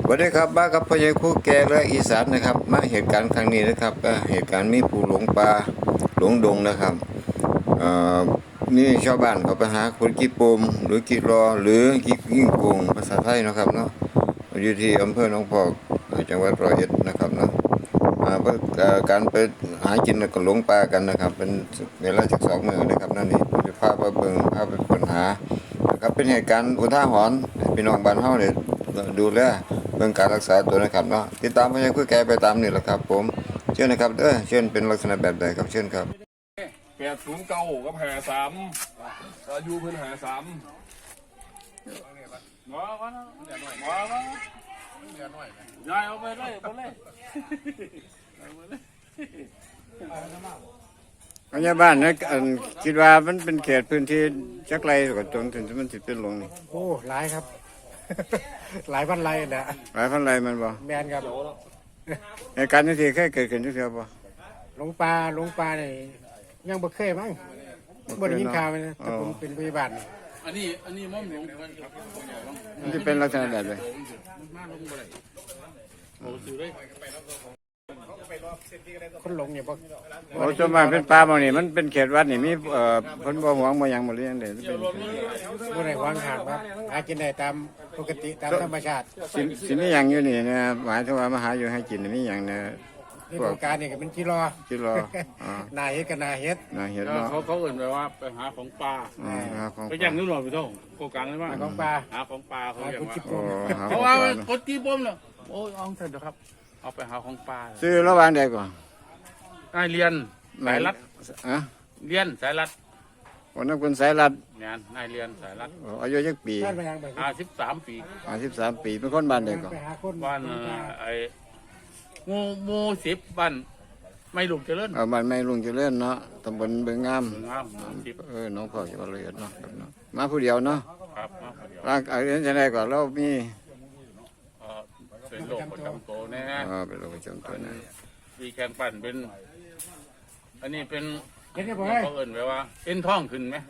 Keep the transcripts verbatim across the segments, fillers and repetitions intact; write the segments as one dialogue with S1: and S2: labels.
S1: สวัสดีครับบ้ากับพ่อใหญ่คู่แก่และอีสานนะครับมาเหตุการณ์ครั้งนี้นะครับก็เหตุการณ์มีผู้หลงป่าหลงดงนะครับเอ่อนี่ชาวบ้านเขาไปหาคนกีโปมหรือกีรอหรือกียิ่งโกงภาษาไทยนะครับเนาะอยู่ที่อำเภอหนองพอกจังหวัดร้อยเอ็ดนะครับเนาะการไปหากินก็หลงป่ากันนะครับเป็นเวลาจากสองมือนะครับนั่นนี่จะพาไปเบิ่งพาไปค้นหานะครับเป็นเหตุการณ์อุทาหรณ์พี่น้องบ้านเฮาเนี่ยดูแลเรื่องการรักษาตัวนะครับเนาะติดตามพ่อใหญ่คุยแกไปตามนี่แหละครับผมเชิญนะครับเออเชิญเป็นลักษณะแบบใดครับเชิญครับ
S2: แปดศูนย์เก้ากับหาสามอายุเพิ่นหาสามว้าวว้าวว้าวว้าวยายเอาไปเลยไปเลย
S1: พยาบาลนะคิดว่ามันเป็นเขตพื้นที่จักไรกับจนถึงมันสิเป็นหลงนี่
S3: โอ้หลายครับ หลายพันไรนะ
S1: หลายพันไรมันบ่
S3: แมนครับ
S1: ในการนี้ที่เคยเกิดขึ้นทุกเทื่อบ่
S3: หลงปลาหลงปลาเนี่ยยังบ่เคยมั้งบ่ได้ยินข่าวเลยนะแต่ผมเป็นพยาบาล
S2: อันนี้อันนี้ม่อมหลวง
S1: มันจะเป็นลักษณะแบบไหน
S3: คนหลงเนี่ยบ่
S1: โอ้ส่วนมากเป็นปลาบ่นี่มันเป็นเขตวัดนี่มีเอ่อเพิ่นบ่หวงบ่หยังบ่เลี้ยงได้เป็น
S3: บ่ได้หวังหาครับหากินได้ตามปกติตามธรรมชาติ
S1: สิสิมีหยังอยู่นี่นะหมายถึงว่ามาหาอยู่ให้กินมีหยังนะ
S3: พวกการนี่ก็เป็นกิโล
S1: กิโล
S3: อ๋อนาเฮ็ดกับนาเฮ็ด
S1: นาเฮ็ดเนาะ
S2: เขาเขาเอิ่นไปว่าไปหาของปลาไปย่างนู่นหรอพี่ท่งโกกังเลยว่า
S3: ของปลา
S2: หาของปลาเขาเรียก
S3: ว่า
S2: เพราะว่ากดจี้ปมเนาะโอ้ยเอาเถอะครับเอาไปหาของปลา
S1: ซื้อระหว่างใดก่อน
S2: นายเรียนสายรัด
S1: อะ
S2: เรียนสายรัด
S1: วันนั้นคุณสายรัด
S2: เนี่ยนายเรียนสายรัด
S1: อายุจักปี
S2: ห้าสิบสามปี
S1: ห้าสิบสามปีเป็นคนบ้านใดก่อน
S2: บ้านไอ้โมโมสิบบ้านไม่ลุงเจริญ
S1: เออบ้านไม่ลุงเจริญเนาะตำบลเบืองงาม
S2: งาม
S1: เออน้องพ่อจังหวัดร้อยเอ็ดเนาะมาผู้เดียวเนาะ
S2: ครับมาผู้เดียว
S1: ร่างกายจะได้ก่อนเรามี
S2: เป็นโรคประจำตัวแน่
S1: อ๋อเป็นโรคประจำตัวนะ
S2: มีแขนปั่นเป็นอันนี้เป็นเขาเอิ่นไว้ว่าเอ็นท้องขึ้นไหม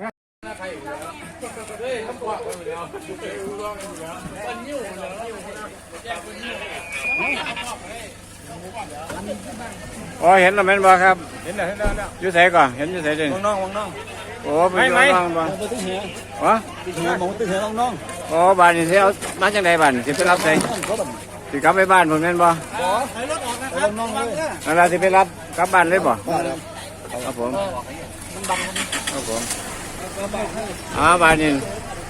S1: อ๋อเห็นแล้วแม่นบ่ครับ
S2: เห็นแล้วเห็นแล้วแล้ว
S1: อยู่ไสก่อนเห็นอยู่ไสเด้
S2: วังน้องวังน้อง
S1: โอ้เป็นวังน้องบ่
S2: ตึ้งเหี่ยว
S1: วะ
S2: ตึ้งเหี่ยวมองตึ้งเหี่ยววังน้อง
S1: อ๋อบ้านนี่สิเอามาจังไดบ้านสิไปรับไสสิกลับไปบ้านผมแม่นบ่
S2: บ่ให้รถออกนะครับน้องเลย
S1: นั่นล่ะสิไปรับกลับบ้านเลยบ่ครับผมครับผมอ๋อบ้านนี่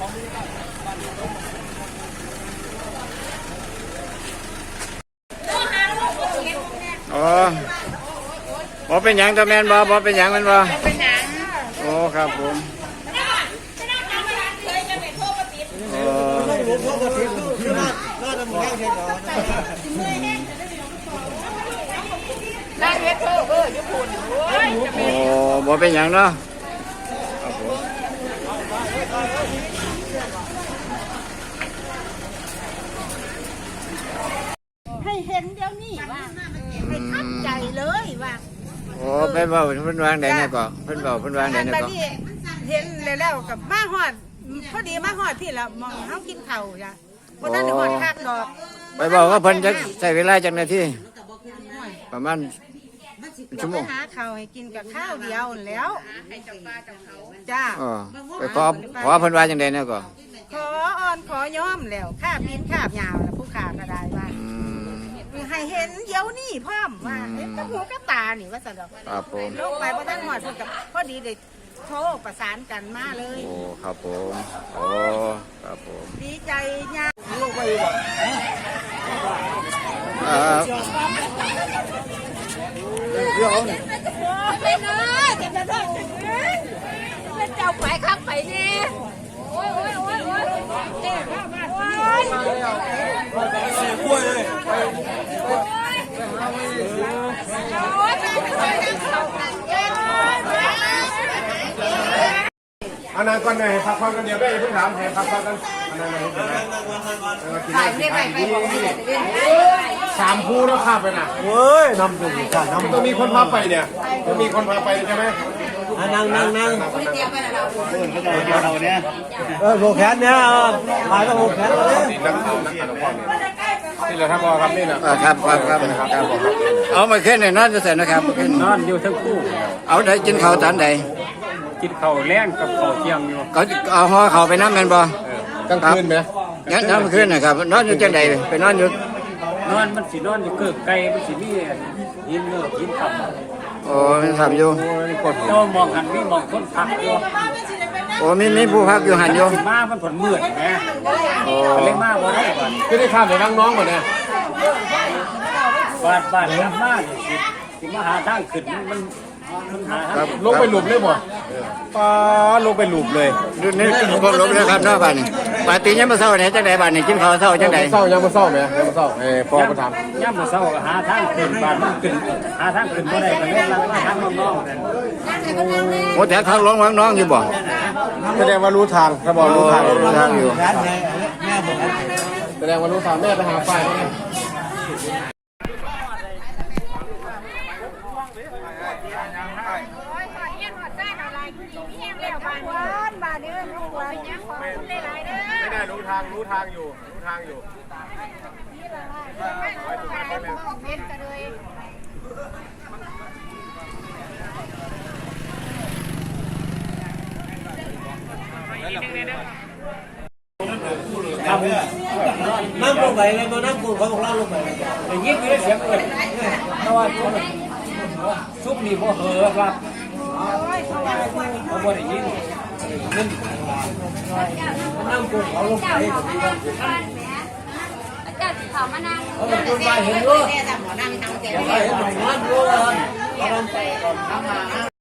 S1: อ๋อบ่เป็นหยังตะแม่นบ่บ่เป็นหยังแม่นบ่
S4: เป็นหยัง
S1: โอ้ครับผมโอ้
S4: ได้เฮ็ดเออเออญี่ปุ่นโอ้ยจะเป็น
S1: โอ้บ่เป็นหยังเนาะ
S4: ให้เห็นเดี๋ยวนี้ว่าให้ทับใจเลยว่า
S1: โอ้ไปเบาเพิ่นวางได้เนี่ยก็เพิ่นเบาเพิ่นวางได้เนี่ยก็
S4: เห็นแล้วกับมาฮอดพอดีมาฮอดที่ละมองเฮากินข้าวจ้ะบ่ทันได้ฮอดคักดอก
S1: ไปบอกว่าเพิ่นจะใช้เวลาจักนาทีประมาณชั่วโมง
S4: หาข้าวให้กินกับข้าวเดียวแล้วให้เจ้าป้าเจ้าเขาจ้า
S1: อ๋อไปขอขอเพิ่นว่าจังได๋เนี่ยก็
S4: ขออ่อนขอยอมแล้วค่าปีนค่ายาวแล้วผู้ขาก็ได้ว่าให้เห็นเดี๋ยวนี้พร้อมว่าเห็นกับหูกับตานี่ว่าซั่นดอก
S1: ครับผม
S4: ลงไปบ่ทันฮอดเพิ่นก็พอดีได้โทรประสานกันมาเลย
S1: โอ้ครับผมโอ้ครับผม
S4: ดีใจยาก
S1: เอ่อเดี๋ยวนี่
S4: ไปเนาะเจ็บจะท้องเป็นเจ้าไปข้างไปนี่โอ้ยโอ้ยโอ้ยโอ้ยเจ็บข้ามาโอ้ย
S2: เสียกล้วยเลย
S3: อันนั้นก่อนเลยพักผ่อนกันเดี๋ยวไปเพิ่งถามให้พักผ่อนกันอันนั้นเลย
S4: ถ่ายไม่ไปไปบอกให้เลย
S3: สามคู่แล้วข้าไปน่ะเว้ยนำตัวกันนำต้องมีคนพาไปเนี่ยต้องมีคนพาไปใช่ไหมนั่งนั่งนั่ง
S4: เตรียมไปแล้วเรา
S3: เราเนี่ยเออโบแขนเนี่ยถ่ายก็โบแขนเลยนักข่าวนักข่าวนี่แหละครับพ่อครับนี่แหละ
S1: อ่าครับครับครับครับเอามาขึ้นในนอนจะเสร็จนะครับขึ้น
S5: นอนอยู่ทั้งคู่
S1: เอาได้กินข้าวตอนใด
S5: กินข้าวแรงกับข้าวเที่ยงอยู่
S1: เขาเอาห่อข้าวไปน้ำแมนบ่
S3: กลางคืนไหม
S1: งั้นน้ำขึ้นนะครับนอนอยู่จังใดไปนอนอยู่
S5: นอนมันสินอนอยู่เกิกไก่มันสิมีหินเนื้อหินขับ
S1: โอ้มันทำอยู่
S3: โอ้ยกด
S5: เจ้ามองหันมีมองคนพักอยู่
S1: โอ้มีมีผู้พักอยู่หันอยู่
S5: สิมามันผลมืดแหม
S1: โอ้
S5: ก็เลยมาบ่ได้ก่อน
S3: คือได้ข้ามไปนั่งน้องหมดเนี่ย
S5: บ้านบ้านกลับมานี่สิสิมาหาทางขึ้นมันมันหาทาง
S3: ลงไปหลุมเลยบ่ป้าลงไปหลุมเลย
S1: ดูนี่พวกลบนะครับนอกบ้านนี่ปาตียังมาเศร้าไหนจังใดบ้านนี่กินข้าวเศร้าจังใด
S3: เศร้ายังมาเศร้าไหมยังมาเศร้าเอ้พ่อมาทำ
S5: ย่ำมาเช้าก็หาทางขึ้นบ้านมันขึ้นหาทางขึ้นบ่ได้ก็เลยลังมาทางน้องๆนั่น
S1: โอ้แต่ทางร้องน้องอยู่บ่
S3: แสดงว่ารู้ทางถ้าบอกรู้ทาง
S1: รู้ทางอยู่
S3: แสดงว่ารู้ทางแม่ไปหาไฟไหม
S4: บ้านเด้อลูกหลานยังขอคุณหลายๆเด้อ
S3: ไม่ได้รู้ทางรู้ทางอยู่รู้ทางอยู่
S4: เป็นกันเลย
S5: นั่งลงไปเลยมานั่งกูเขาบอกเล่าลงไปแต่ยิ่งมีเสียงเอิดเพราะว่าซุปนี่พอเหอะครับเขาบ่ได้ยินนั่งกูเขาลงไปแบบนี้ว่า
S6: เจ้าสิเขามานั่ง
S5: เขาเป็นคนไปเห็นด้วยเขาเห็นหน่อยงานด้วยเขาลงไปก่อนทำมา